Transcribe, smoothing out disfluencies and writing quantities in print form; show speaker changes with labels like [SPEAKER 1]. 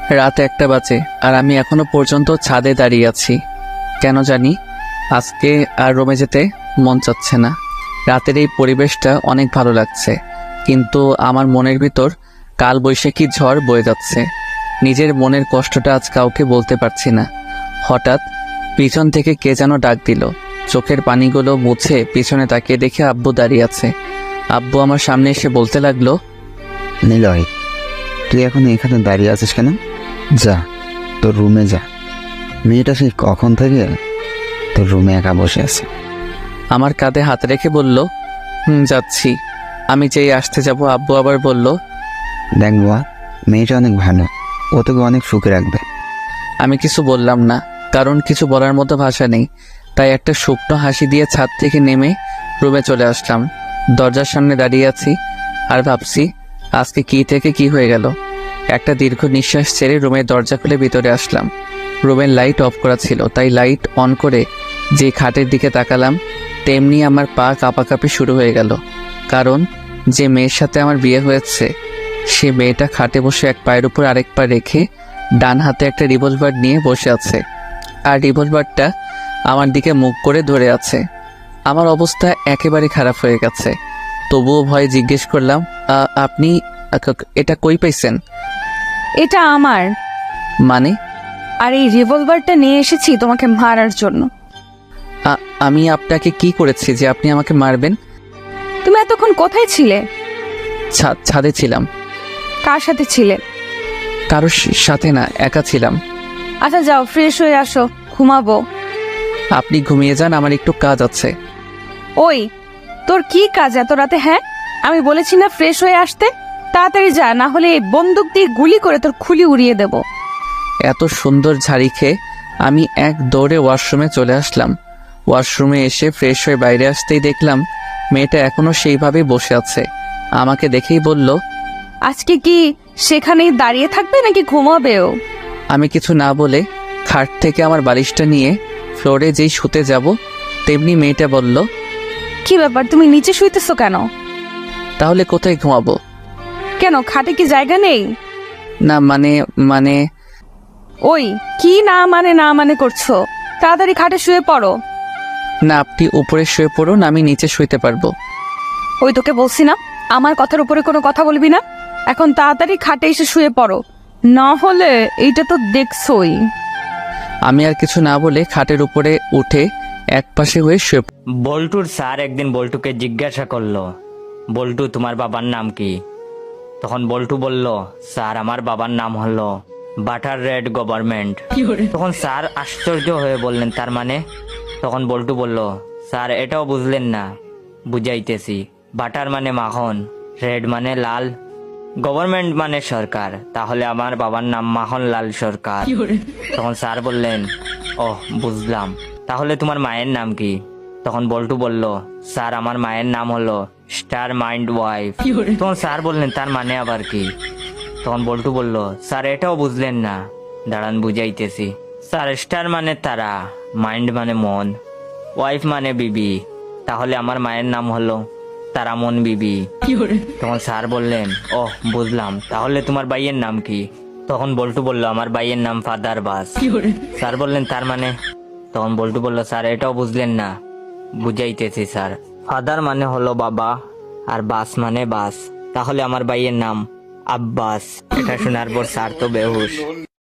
[SPEAKER 1] রাত 1টা বাজে আর আমি এখনো পর্যন্ত ছাদে দাঁড়িয়ে আছি। কেন জানি আজকে আর রুমে যেতে মন চাচ্ছে না। রাতের এই পরিবেশটা অনেক ভালো লাগছে, কিন্তু আমার মনের ভিতর কাল বৈশাখী ঝড় বয়ে যাচ্ছে। নিজের মনের কষ্টটা আজ কাউকে বলতে পারছি না। হঠাৎ পিছন থেকে কে যেন ডাক দিল। চোখের পানিগুলো মুছে পিছনে তাকিয়ে দেখে আব্বু দাঁড়িয়ে আছে। আব্বু আমার সামনে এসে বলতে লাগলো,
[SPEAKER 2] নিলয়, তুই এখন এখানে দাঁড়িয়ে আছিস কেন? যা, তোর রুমে যা। মেয়েটা সেই কখন থেকে তোর রুমে একা বসে আছে।
[SPEAKER 1] আমার কাঁধে হাত রেখে বলল, যাচ্ছি। আমি যেই আসতে যাব আব্বু আবার বলল,
[SPEAKER 2] দেখ বুয়া, মেয়েটা অনেক ভালো, ও তোকে অনেক সুখে রাখবে।
[SPEAKER 1] আমি কিছু বললাম না, কারণ কিছু বলার মতো ভাষা নেই। তাই একটা শুকনো হাসি দিয়ে ছাদ থেকে নেমে রুমে চলে আসলাম। দরজার সামনে দাঁড়িয়ে আছি আর ভাবছি আজকে কি থেকে কি হয়ে গেল। একটা দীর্ঘ নিঃশ্বাস ছেড়ে রুমের দরজা খুলে ভিতরে আসলাম। রুমের লাইট অফ করা ছিল, তাই লাইট অন করে যে খাটের দিকে তাকালাম, তেমনি আমার পা কাঁপাকাঁপি শুরু হয়ে গেল। কারণ যে মেয়ের সাথে আমার বিয়ে হয়েছে, সে মেয়েটা খাটে বসে এক পায়ের উপর আরেক পা রেখে ডান হাতে একটা রিভলভার নিয়ে বসে আছে, আর রিভলভারটা আমার দিকে মুখ করে ধরে আছে। আমার অবস্থা একেবারে খারাপ হয়ে গেছে। তবুও ভয়ে জিজ্ঞেস করলাম, আপনি এটা কই পাইছেন?
[SPEAKER 3] এটা আমার।
[SPEAKER 1] মানে?
[SPEAKER 3] আর এই রিভলভারটা নিয়ে এসেছি তোমাকে মারার জন্য।
[SPEAKER 1] আমি আপনাকে কি করেছি যে আপনি আমাকে মারবেন?
[SPEAKER 3] তুমি এতক্ষণ কোথায় ছিলে?
[SPEAKER 1] ছাদে ছিলাম।
[SPEAKER 3] কার সাথে ছিলে?
[SPEAKER 1] কারোর সাথে না, একা ছিলাম।
[SPEAKER 3] আচ্ছা যাও, ফ্রেশ হয়ে আসো, ঘুমাবো।
[SPEAKER 1] আপনি ঘুমিয়ে যান, আমার একটু কাজ আছে।
[SPEAKER 3] ওই, তোর কি কাজ এত রাতে? হ্যাঁ, আমি বলেছি না ফ্রেশ হয়ে আসতে? তাড়াতাড়ি যা, না হলে এই বন্দুক দিয়ে গুলি করে তোর খুলি উড়িয়ে দেব।
[SPEAKER 1] এত সুন্দর ঝাড়ি খেয়ে আমি এক দৌড়ে ওয়াশরুমে চলে আসলাম। ওয়াশরুমে এসে ফ্রেশ হয়ে বাইরে আসতেই দেখলাম মেয়েটা এখনো সেইভাবেই বসে আছে। আমাকে দেখেই বলল,
[SPEAKER 3] আজকে কি সেখানেই দাঁড়িয়ে থাকবে নাকি ঘুমাবেও?
[SPEAKER 1] আমি কিছু না বলে খাট থেকে আমার বালিশটা নিয়ে ফ্লোরে যেই শুতে যাব, তেমনি মেয়েটা বলল,
[SPEAKER 3] কি ব্যাপার, তুমি নিচে শুইতেছো কেন?
[SPEAKER 1] তাহলে কোথায় ঘুমাবো?
[SPEAKER 3] কেন, খাটে কি জায়গা নেই?
[SPEAKER 1] না মানে
[SPEAKER 3] ওই, কি না মানে করছো? তাড়াতাড়ি খাটে শুয়ে পড়ো।
[SPEAKER 1] না, আপনি উপরে শুয়ে পড়ুন, আমি নিচে শুইতে পারবো।
[SPEAKER 3] ওই, তোকে বলছি না আমার কথার উপরে কোনো কথা বলবি না। এখন তাড়াতাড়ি খাটে এসে শুয়ে পড়ো, না হলে এইটা তো দেখছই।
[SPEAKER 1] আমি আর কিছু না বলে খাটের উপরে উঠে এক পাশে হয়ে শুয়ে
[SPEAKER 4] বল্টুর স্যার একদিন বল্টুকে জিজ্ঞাসা করলো, বল্টু তোমার বাবার নাম কি? তখন বল্টু বলল, স্যার আমার বাবার নাম হলো বাটার রেড গভর্নমেন্ট। তখন স্যার আশ্চর্য হয়ে বললেন, তার মানে? তখন বল্টু বলল, স্যার এটাও বুঝলেন না? বুঝাইতেছি। বাটার মানে মাখন, রেড মানে লাল, গভর্নমেন্ট মানে সরকার, তাহলে আমার বাবার নাম মাখনলাল সরকার। তখন স্যার বললেন, ওহ বুঝলাম, তাহলে তোমার মায়ের নাম কি? তখন বল্টু বলল, স্যার আমার মায়ের নাম হলো স্টার মাইন্ড ওয়াইফ। তখন স্যার বললেন, তার মানে আবার কি? তখন বল্টু বলল, স্যার এটাও বুঝলেন না? দাঁড়ান বুঝাইতেছি। স্যার স্টার মানে তারা, মাইন্ড মানে মন, ওয়াইফ মানে বিবি, তাহলে আমার মায়ের নাম হলো তারামন বিবি। তখন স্যার বললেন, ওহ বুঝলাম, তাহলে তোমার ভাইয়ের নাম কি? তখন বল্টু বলল, আমার ভাইয়ের নাম ফাদার বাস। স্যার বললেন, তার মানে? তখন বল্টু বলল, স্যার এটাও বুঝলেন না? বুঝাইতেছি স্যার। ফাদার মানে হলো বাবা, আর বাস মানে বাস, তাহলে আমার ভাইয়ের নাম আব্বাস। এটা শোনার পর স্যার তো বেহুশ।